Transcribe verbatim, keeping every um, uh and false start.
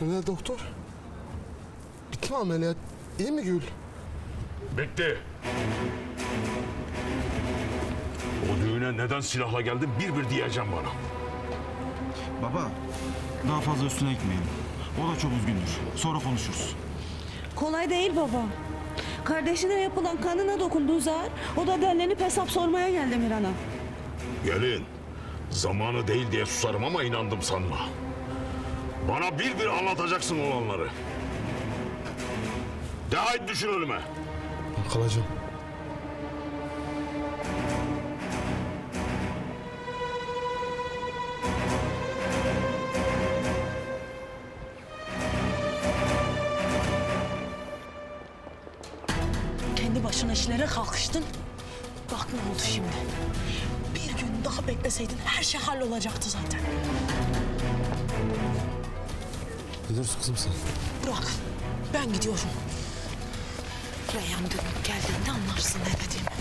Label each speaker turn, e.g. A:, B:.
A: Ne doktor? Bitti mi ameliyat? İyi mi Gül?
B: Bitti. O düğüne neden silahla geldin bir bir diyeceğim bana.
C: Baba, daha fazla üstüne gitmeyelim. O da çok üzgündür. Sonra konuşuruz.
D: Kolay değil baba. Kardeşine yapılan kanına dokunduğu zar, o da derlenip hesap sormaya geldi Miran'a.
B: Gelin. Zamanı değil diye susarım ama inandım sanma. Bana bir bir anlatacaksın olanları. De haydi düşün ölüme.
A: Ben kalacağım.
E: Kendi başına işlere kalkıştın. Bak ne oldu şimdi. Bir gün daha bekleseydin her şey hallolacaktı zaten.
A: Ne diyorsun kızım sen?
E: Bırak. Ben gidiyorum. Reyhan dönüp geldiğinde anlarsın ne dediğimi.